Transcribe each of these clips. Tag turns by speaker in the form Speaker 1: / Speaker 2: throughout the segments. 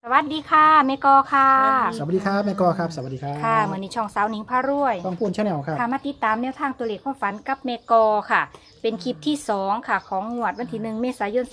Speaker 1: สวัสดีค่ะเมกอค่ะ
Speaker 2: สวัสดีครับแม่กอครับสวัสดีครับ
Speaker 1: ค่ะเหมือนในช่องสาวหนิงพารวย
Speaker 2: ต้องพูนชาแนลครับ
Speaker 1: ค่ะมาติดตามแนวทางตัวเลขความฝันกับเมกอค่ะ เป็นคลิปที่2ค่ะของงวดวันที่1 เมษายน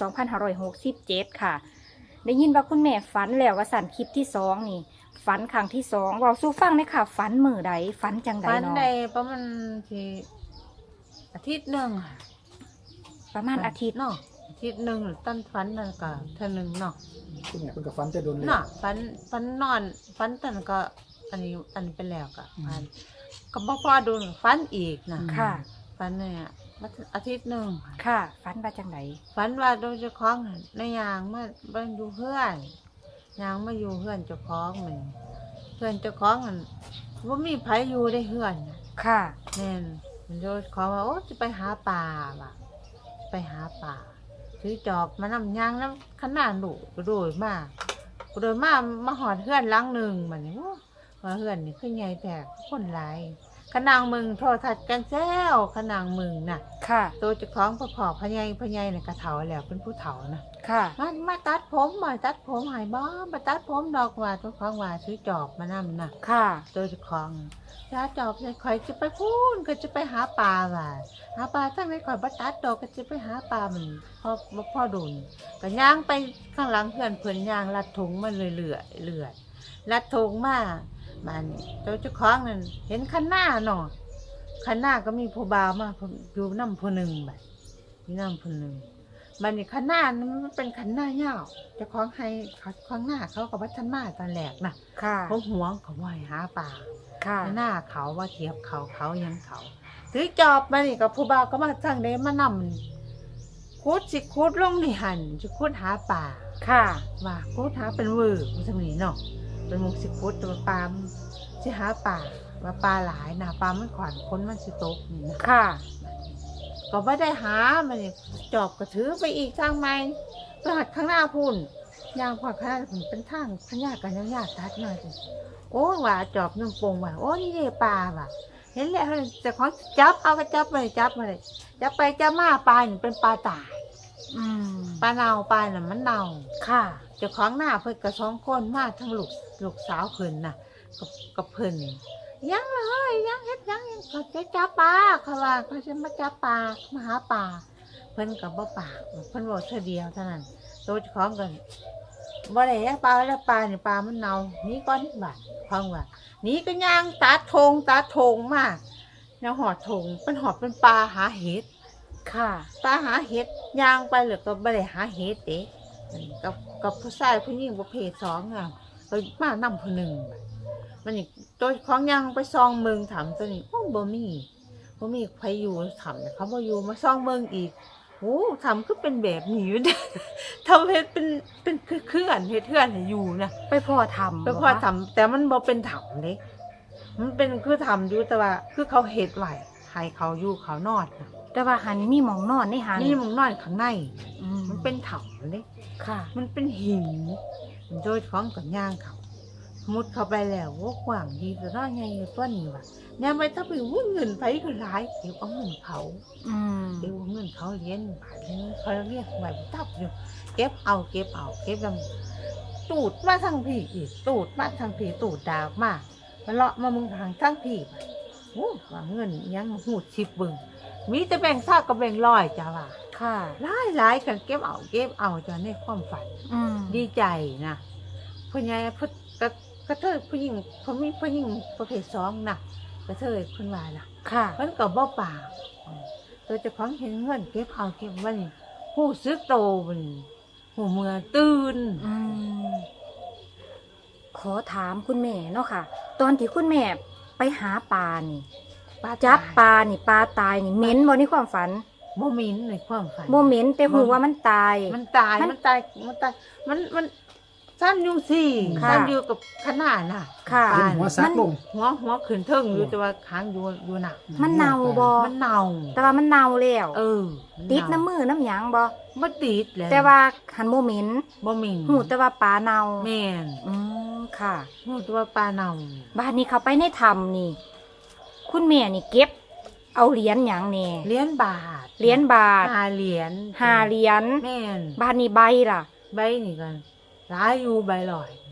Speaker 1: 2567 ค่ะ ได้ยินว่าคุณแม่ฝันแล้วว่าสั่นคลิปที่2นี่ฝันครั้งที่2เราสู้ฟังเลยค่ะฝันมือใดฝันจังใด
Speaker 3: ฝัน
Speaker 1: เนาะ
Speaker 3: ได้ประมาณที่อาทิตย์หนึ่งค่ะ
Speaker 1: ประมาณอาทิตย์
Speaker 3: เนาะอาทิตย์หนึ่งต้นฝันนั่นก็เท่านึงเนาะ
Speaker 2: คุณแม่เพิ่งกับฟันจะโดนเลย
Speaker 3: เนาะฝันนอนฝันตันก็อันนี้ไปแล้วก็ฝันก็บ่พอดูฝันอีกนะ
Speaker 1: ค่ะ
Speaker 3: ฝันเนี่ยมาอาทิตย์หนึ่งค่ะ
Speaker 1: ค่ะฝันว่าจังใด
Speaker 3: ฝันว่าโดยเจ้าของน่ะในยางมาบ้านอยู่เพื่อนยางมาอยู่เพื่อนเจ้าของเหมือนเพื่อนเจ้าของมันว่ามีไผอยู่ได้เพื่อนน่ะ
Speaker 1: ค่ะ
Speaker 3: แม่นมันโดยขอว่าโอ้จะไปหาปลาว่ะไปหาปลาถือจอบมานำยางน้ำขนาดดุกระโดดมามาหอดเฮือนหลังหนึ่งมันนี่ว่าเฮือนนี่คือไงแต่คนหลายขนางมึงโทรทัศน์กันแซวขนางมึงน่ะ
Speaker 1: ค่ะ
Speaker 3: ตัวเจ้าของพ่อพญายน่ะกระเถาแล้วเป็นผู้เฒ่านะ
Speaker 1: ค่ะ
Speaker 3: มาตัดผมมาตัดผมใหายบ้ามาตัดผมดอกว่าเจ้าของว่าซื้อจอบมานำน่ะ
Speaker 1: ค่ะ
Speaker 3: ตัวเจ้าของยาจอบเลยคอยจะไปพูนก็จะไปหาปลาว่ะหาปลาถ้าไม่คอยบัตัดดอกก็จะไปหาปลามันพ่อดุนก็ย่างไปข้างหลังเพื่อนย่างลัดถุงมันเลื่อยลัดถุงมามันตัวเจ้าของนั่นเห็นคันหน้าเนาะคันหน้าก็มีผู้บ่าวมาอยู่น้ำผู้หนึ่งแบบมีน้ำผู้หนึ่งมันนี่คันหน้ามันเป็นคันหน้าเงาเจ้าของให้เขาข้างหน้าเขากับวัฒนมาตอนแรกน่ะ
Speaker 1: ค่ะ
Speaker 3: เขาหวงเขาว่ายหาปลา
Speaker 1: ค่ะ
Speaker 3: หน้าเขาว่าเทียบเขายังเขาถือจอบมานี่กับผู้บ่าวก็มาสั่งได้มานำคุดลงในหันจะคุดหาปลา
Speaker 1: ค่ะ
Speaker 3: ว่าคุดหาเป็นวือมันสมีเนาะเป็นมุกสิคุดตัวปลาสิหาปลาว่าปลาหลายนะปลามันขวานคนมันสิตกนี่นะ
Speaker 1: ค่ะ
Speaker 3: ก็ไม่ได้หามันนี่จอบก็ถือไปอีกทางไม้ไปหัดข้างหน้าพุ่นยางพอข้างหน้าพุ่นเป็นทางพญากันยาตัดมาสิโอ้ว่าจอบนึ่งปงว่าโอ้นี่เลยปลาว่ะเห็นแล้วแต่ของจับเอาก็จับไปจับไปจับมาปลาเนี่ยเป็นปลาตาย
Speaker 1: อืม
Speaker 3: ปลาเน่าปลาน่ะมันเน่า
Speaker 1: ค่ะ
Speaker 3: เจ้าของหน้าเพิ่นกับ2 คนมาทั้งลูกสาวเพิ่นน่ะกับเพิ่นยังเลยยังเฮ็ดยังเขาจะจับปลาเขาว่าเขาจะมาจับปลามาหาปลาเพิ่นกับบ่ปากเพิ่นบอกเท่าเดียวเท่านั้นตัวเจ้าของกันบ่ได้ปลาแล้วปลาเนี่ยปลามันเน่านี่ก้อนบาดฟังว่านี่ก็ย่างตาโถงมาแนวหอดโถงเป็นหอดเป็นปลาหาเห็ด
Speaker 1: ค่ะ
Speaker 3: ปลาหาเห็ดย่างไปหรือก็บ่ได้หาเห็ดเด้กับผู้ชายผู้หญิงประเภท2อ่ะก็มานำผู้หนึ่งมันนี่ตัวของย่างไปซองเมืองถามตัวนี้โอ้บ่มีใครอยู่ถามเขาบ่อยู่มาซองเมืองอีกโอ้ทำคือเป็นแบบนี้อยู่ ทำเฮ็ดเป็นคือเขื่อนเฮ็ดเขื่อนให้อยู่นะ
Speaker 1: ไปพ่อทำ
Speaker 3: ไปพอทำแต่มันบ่เป็นถ้ำเด้มันเป็นคือทำอยู่แต่ว่าคือเขาเฮ็ดไว้ให้เขาอยู่เขานอนนะ
Speaker 1: แต่ว่าหันมีหมองนอนในหัน
Speaker 3: นี่มันนอนข้างใน
Speaker 1: อื
Speaker 3: มันเป็นถ้ำเด้
Speaker 1: ค่ะ
Speaker 3: มันเป็นหินโดยของกับย่างเขามุดเข้าไปแล้วว่ากว้างดีแต่น้อยไงตัวนี้ว่ะเนี่ยไม่ถ้าไปวุ่นเงินไปก็หลายเก็บเอาเงินเขา
Speaker 1: อืม
Speaker 3: เก็บเอาเงินเขาเลี้ยงบาทนึงเขาเรียกไว้ตับอยู่เก็บเอาเก็บลำตูดมาทางพี่อีกตูดมาทางพี่ตูดดาวมาเลาะมามึงทางทางพี่โอ้ว่าเงินยังหูดชิบบึงมีแต่แบ่งซากกับแบ่งร้อยจ้าว่า
Speaker 1: ค่ะ
Speaker 3: หลายกันเก็บเอาจ้าในความฝัน
Speaker 1: อืม
Speaker 3: ดีใจนะผู้ใหญ่กระเทยผู้หญิงเขามีผู้หญิงประเภท2นะกระเทยคุณว่าล่ะ
Speaker 1: ค่ะ
Speaker 3: มันก็บ่ปากตัวเจ้าของเห็นเงินเก็บมันหูซึกโตมันหูเมื่อตื่น
Speaker 1: อืมขอถามคุณแม่เนาะค่ะ ตอนที่คุณแม่ไปหาปลานี่ จับปลานี่ปลาตายนี่เหม็นบ่ในความฝัน
Speaker 3: โมมินในความฝัน
Speaker 1: บ่เหม็นแต่หูว่ามันตาย
Speaker 3: มันตายมันสั้นอยู่สิ
Speaker 1: ค่ะ
Speaker 3: สั้นอยู่กับขนาดน่ะ
Speaker 1: ค่ะ
Speaker 2: เห็นหัวซักลง
Speaker 3: หัวขึ้นเทิงอยู่แต่ว่าค้างอยู่หนัก
Speaker 1: มันเน่าบ่
Speaker 3: มันเน่า
Speaker 1: แต่ว่ามันเน่าแล้ว
Speaker 3: มัน
Speaker 1: ติด
Speaker 3: เา
Speaker 1: น้ำมือน้ำหยังบ่
Speaker 3: บ่ติดแล้ว
Speaker 1: แต่ว่าหันบ่เหม็น
Speaker 3: บ่มี
Speaker 1: หูแต่ว่าปลาเน่า
Speaker 3: แม่น
Speaker 1: อืมค่ะ
Speaker 3: หูแต่ว่าปลาเน่า
Speaker 1: บ้านนี้เขาไปในถ้ำนี่ คุณแม่นี่เก็บ เอาเหรียญหยังแน่
Speaker 3: เหรียญบาท
Speaker 1: เหรียญบาท
Speaker 3: 5 เหรียญ
Speaker 1: 5 เหรียญ
Speaker 3: แม่น
Speaker 1: บ้านนี้ใบล่ะ
Speaker 3: ใบนี่กันหลายอยู่ใบลอย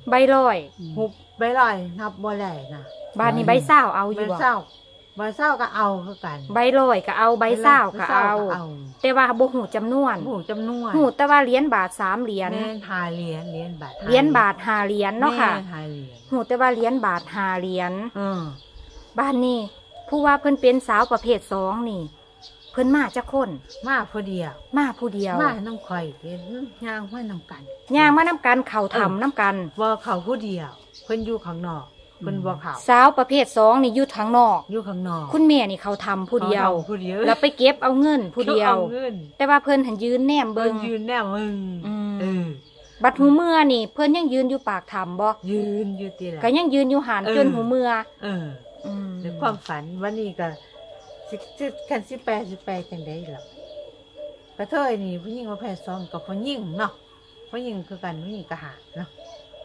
Speaker 1: ใบลอย
Speaker 3: หุบใบลอยนับบ่ได้นะ
Speaker 1: บ้านนี้ใบเศร้าเอาอ
Speaker 3: ใบ
Speaker 1: ยู่บ่
Speaker 3: เศร้าใบเศร้าก็เอาคือกัน
Speaker 1: ใบลอยก็เอาใบเศร้าก็เอา แต่ว่าบ่ฮู้จำนวน
Speaker 3: หูจำนวน
Speaker 1: ฮู้แต่ว่าเหรียญบาท3เหรียญ
Speaker 3: แม่นหาเหรียญเหรียญบาท
Speaker 1: เหรียญบาท5เหรียญเนาะค่ะ
Speaker 3: แม่หาเหรียญ
Speaker 1: ฮู้แต่ว่าเหรียญบาท5เหรียญ
Speaker 3: อือ
Speaker 1: บ้านนี้ผู้ว่าเพิ่นเป็นสาวประเภท2นี่ เพิ่นมาจักคน
Speaker 3: มาพอดียว
Speaker 1: มาผู้เดียว
Speaker 3: มาน้ำข่อยเห็นย่างมาน้ำกัน
Speaker 1: ย่างมานํกันเข้าถ้ำนํกัน
Speaker 3: ว่าเขาผู้เดียวเพิ่นอยู่ข้างนอกเพิ่นบ่เขา
Speaker 1: สาวประเภท2นี่อยู่ทางนอก
Speaker 3: อยู่ข้างนอก
Speaker 1: คุณแม่นี่เขาทำผู้เดียว
Speaker 3: ขาผู้เดียว
Speaker 1: แล้วไปเก็บเอาเงินผู้เดียว
Speaker 3: อาเงิน
Speaker 1: แต่ว่าเพิ่นหันยืนแนม
Speaker 3: เบิ่
Speaker 1: เบิ
Speaker 3: ง
Speaker 1: ง
Speaker 3: ยืนแน่มึง
Speaker 1: อืม
Speaker 3: เออ
Speaker 1: บัดหูเมื่อนี่ เพิ่นยังยืนอยู่ปากถ้ำบ่
Speaker 3: ยืนอยู่ติล่ะ
Speaker 1: ก็ยังยืนอยู่หาน
Speaker 3: เออ
Speaker 1: จนหูเมื่อ
Speaker 3: เออ
Speaker 1: อืม
Speaker 3: ในความฝันวันนี้ก็สิคันสิแปลจังได๋ล่ะกระเทยนี่ผู้หญิงว่าแพ้ซ้อมกับผู้หญิงเนาะผู้หญิงคือกันผู้หญิงก็หาเนาะ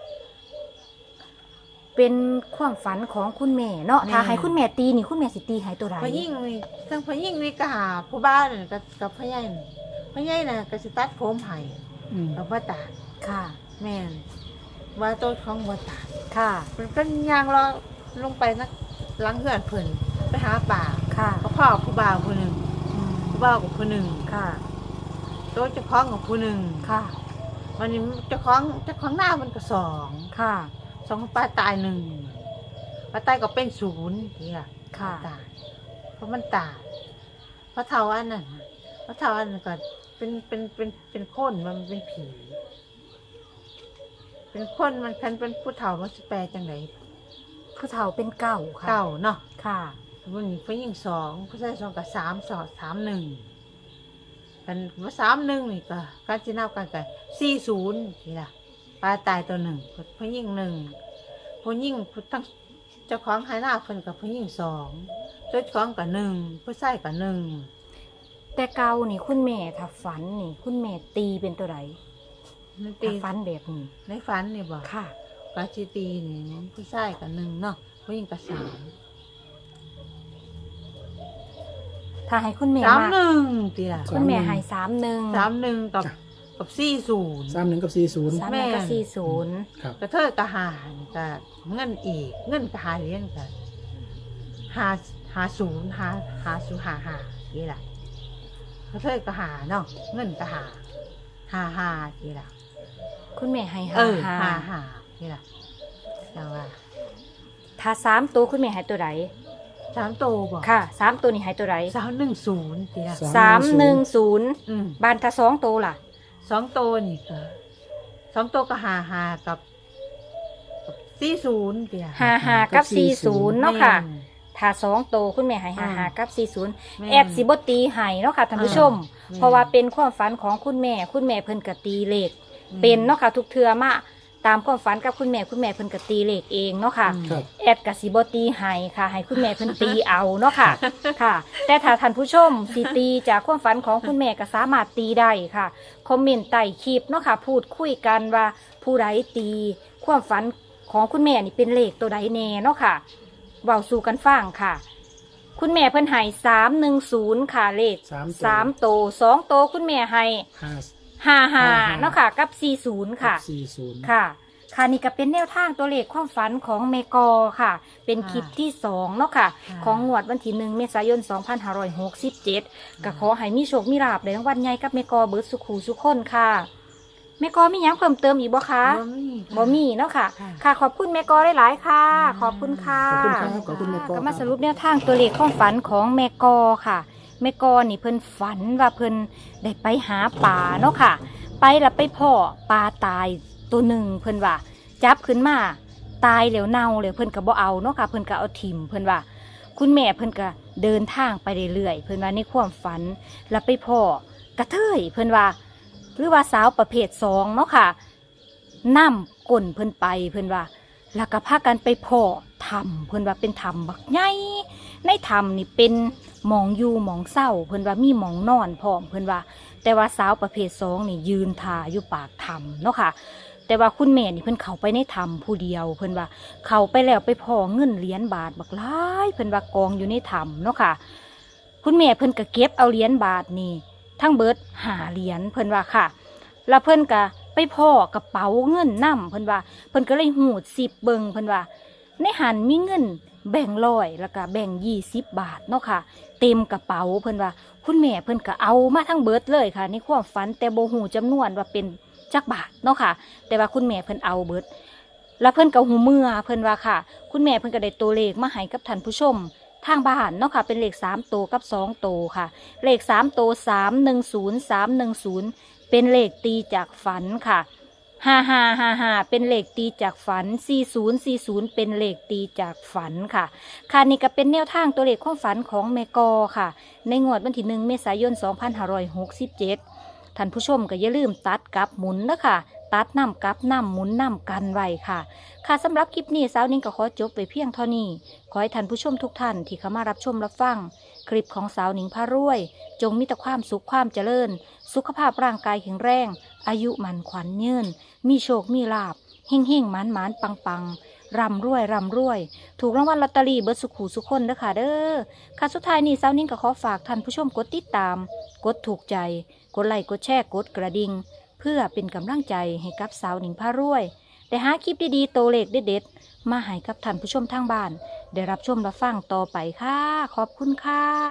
Speaker 1: เป็นความฝันของคุณแม่เนาะ
Speaker 3: แม่
Speaker 1: ถ้าให้คุณแม่ตีนี่คุณแม่สิตีให้ตัวใด
Speaker 3: ผู้หญิงนี่ทั้งผู้หญิงนี่ก็หาผู้บ้านนี่กับผู้ใหญ่นี่ผู้ใหญ่น่ะก็สิตัดผมให้
Speaker 2: อืม
Speaker 3: กับบ่ตาด
Speaker 1: ค่ะ
Speaker 3: แม่นว่าตัวของบ่ตาด
Speaker 1: ค่ะ
Speaker 3: มันก็ย่างเราลงไปนักหลังเฮือนเพิ่นไปหาป่า
Speaker 1: ค่ะ
Speaker 3: ก็พ่อผู้บ่าวผู้หนึง
Speaker 1: อืม
Speaker 3: ผู้บ่าวกับผู้หนึง
Speaker 1: ค่ะ
Speaker 3: ตัวเจ้าของกับผู้หนึง
Speaker 1: ค่ะ
Speaker 3: วันนี้เจ้าของหน้ามันก็สอง
Speaker 1: ค่ะ
Speaker 3: สองป้าตายหนึ่งป้าตายก็เป็นศูนย์นี่ล่ะ
Speaker 1: ค่ะ
Speaker 3: ตายเพราะมันตายพระเทาอันนั้นน่ะพระเทาอันนั้นก็เป็นคนมันเป็นผี เป็นคนมันคันเป็นผู้เฒ่ามันสิแปลจังได
Speaker 1: ผู้เฒ่าเป็นเก่าค่ะ
Speaker 3: เก่าเนาะ
Speaker 1: ค่ะ
Speaker 3: วันนี้ผู้หญิงสองผู้ชายสองกับ3 1กันว่า31นี่ก็การสินับกันกัน40นี่ล่ะป้าตายตัวหนึ่งผู้หญิงหนึ่งผู้หญิงผู้ทั้งเจ้าของหายหน้าเพิ่นกับผู้หญิงสองเจ้าของกับหนึ่งผู้ชายกับหนึ่ง
Speaker 1: แต่เก่านี่คุณแม่ถ้าฝันนี่ คุณแม่ตีเป็นตัวใด
Speaker 3: มันตี
Speaker 1: ถ้าฝันแบบนี้
Speaker 3: ในฝันนี่บ่
Speaker 1: ค่ะ
Speaker 3: กาสิตีนี่ผู้ชายกับหนึ่งเนาะผู้หญิงกับสาม
Speaker 1: ถ้าให้คุณแม่
Speaker 3: สาม
Speaker 1: มา
Speaker 3: หนึ่งตีล่ะ
Speaker 1: คุณแม่ให้31
Speaker 3: 31กับ40
Speaker 2: 31 กับ 40
Speaker 1: 3แล้วก็40
Speaker 2: ครับ
Speaker 3: กระเทยกระหารกับเงินอีกเงินกระหาเหรียญกันหานี่ล่ะกระเทยกระหาเนาะเงินกระหานี่ล่ะ
Speaker 1: คุณแม่ให้
Speaker 3: เออ
Speaker 1: หา
Speaker 3: หานี่ล่ะจังว่า
Speaker 1: ถ้า3ตัวคุณแม่ให้ตัวใด
Speaker 3: 3โตบ่
Speaker 1: ค่ะ3ตัวนี่ให้ตัวใด
Speaker 3: 310นี่ล่ะ
Speaker 1: 310บ้านถ้า2ตัวล่ะ
Speaker 3: 2โตนี่ก็2โตก็หากับ40นี่ล่ะ
Speaker 1: 55กับ40เนาะค่ะ
Speaker 3: แม่
Speaker 1: ถ้า2ตัวคุณแม่ให้55กับ
Speaker 3: แม่
Speaker 1: 40แอดสิบ่ตีให้เนาะค่ะท่านผู้ชม
Speaker 3: แม่
Speaker 1: เพราะว่าเป็นความฝันของคุณแม่เพิ่นก็ตีเลขเป็นเนาะค่ะทุกเทื่อมาตามความฝันกับคุณแม่เพิ่นก็ตีเลขเองเนาะค่ะ
Speaker 2: ครับ
Speaker 1: แอดกับสิบตีให้ค่ะ ให้คุณแม่เพิ่นตีเอาเนาะค่ะ ค่ะ แต่ถ้าท่านผู้ชมสิตีจากความฝันของคุณแม่ก็สามารถตีได้ค่ะ คอมเมนต์ใต้คลิปเนาะค่ะ พูดคุยกันว่าผู้ใดตีความฝันของคุณแม่นี่เป็นเลขตัวใดแน่เนาะค่ะเว้าสู่กันฟังค่ะ คุณแม่เพิ่นให้310ค่ะเลข
Speaker 2: 3
Speaker 1: 3 โตว2 โตวคุณแม่ให้
Speaker 2: 5
Speaker 1: 55เนาะค่ะกับ40ค่ะ
Speaker 2: 40
Speaker 1: ค่ะ ค่ะนี่ก็เป็นแนวทางตัวเลขความฝันของเมกอค่ะ เป็นคลิปที่2เนาะค่ะ ของงวดวันที่1 เมษายน 2567ก็ขอให้มีโชคมีลาภในรางวัลใหญ่กับเมกอเบิร์ดสุขูสุขคนค่ะเมกอมีหยังเพิ่มเติมอีกบ่คะบ่มีเนาะค่ะ ค่ะ ขอบคุณเมกอหลายๆค่ะ ขอบคุณค่ะ
Speaker 2: ขอบคุณครับขอบคุณแม่กอ
Speaker 1: ก็มาสรุปแนวทางตัวเลขความฝันของเมกอค่ะเมกอนี่เพิ่นฝันว่าเพิ่นได้ไปหาปลาเนาะค่ะ ไปแล้วไปพ่อปลาตายตัวหนึ่งเพิ่นว่าจับขึ้นมาตายแล้วเน่าเลยเพิ่นก็บ่เอาเนาะค่ะเพิ่นก็เอาถิ่มเพิ่นว่า คุณแม่เพิ่นก็เดินทางไปเรื่อยๆเพิ่นว่าในความฝันแล้วไปพ่อกระเทยเพิ่นว่าหรือว่าสาวประเภท2เนาะค่ะนํก้นเพิ่นไปเพิ่นว่าแล้วก็พากันไปพ่อถ้ำเพิ่นว่าเป็นถ้ำบักใหญ่ในถ้ำนี่เป็นหมองอยู่หมองเศร้าเพิ่นว่ามีหมองนอนพร้อมเพิ่นว่า แต่ว่าสาวประเภท2นี่ยืนท่าอยู่ปากถ้ำเนาะค่ะ แต่ว่าคุณแม่นี่เพิ่นเข้าไปในถ้ำผู้เดียวเพิ่นว่าเข้าไปแล้วไปพ้อเงินเหรียญบาทบักหลายเพิ่นว่ากองอยู่ในถ้ำเนาะค่ะ คุณแม่เพิ่นก็เก็บเอาเหรียญบาทนี่ทั้งเบิด5เหรียญเพิ่นว่าค่ะ แล้วเพิ่นก็ไปพ่อกระเป๋าเงินนำเพิ่นว่าเพิ่นก็เลยหูดสิบเบิงเพิ่นว่าในหันมีเงินแบ่ง100แล้วก็แบ่ง20 บาทเนาะค่ะเต็มกระเป๋าเพิ่นว่าคุณแม่เพิ่นก็เอามาทั้งเบิดเลยค่ะในความฝันแต่บ่ฮู้จำนวนว่าเป็นจักบาทเนาะค่ะแต่ว่าคุณแม่เพิ่นเอาเบิดแล้วเพิ่นก็หูเมื่อเพิ่นว่าค่ะคุณแม่เพิ่นก็ได้ตัวเลขมาให้กับท่านผู้ชมทางบ้านเนาะค่ะเป็นเลข3ตัวกับ2ตัวค่ะเลข3ตัว310310เป็นเลขตีจากฝันค่ะ5555เป็นเลขตีจากฝัน4040เป็นเลขตีจากฝันค่ะค่ะนี่ก็เป็นแนวทางตัวเลขความฝันของแม่กอค่ะในงวดวันที่1 เมษายน 2567ท่านผู้ชมก็อย่าลืมตัดกับหมุนนะคะตัดน้ำกับน้ำหมุนน้ำกันไว้ค่ะค่ะสำหรับคลิปนี้สาวนิ้งก็ขอจบไปเพียงเท่านี้ขอให้ท่านผู้ชมทุกท่านที่เข้ามารับชมรับฟังคลิปของสาวนิ้งพารวยจงมีแต่ความสุขความเจริญสุขภาพร่างกายแข็งแรงอายุมันขวัญยืนมีโชคมีลาภเฮ่งเฮ่งหมานหมานปังปังร่ำรวยร่ำรวยถูกรางวัลลอตเตอรี่เบิดสุขหูสุขคนเด้อค่ะเด้อค่ะสุดท้ายนี้สาวนิ้งก็ขอฝากท่านผู้ชมกดติดตามกดถูกใจกดไลค์กดแชร์กดกระดิ่งเพื่อเป็นกำลังใจให้กับสาวหนิงพารวยได้หาคลิปดีๆโตวเลขเด็ดๆมาให้กับท่านผู้ชมทางบ้านได้รับชมรับฟังต่อไปค่ะขอบคุณค่ะ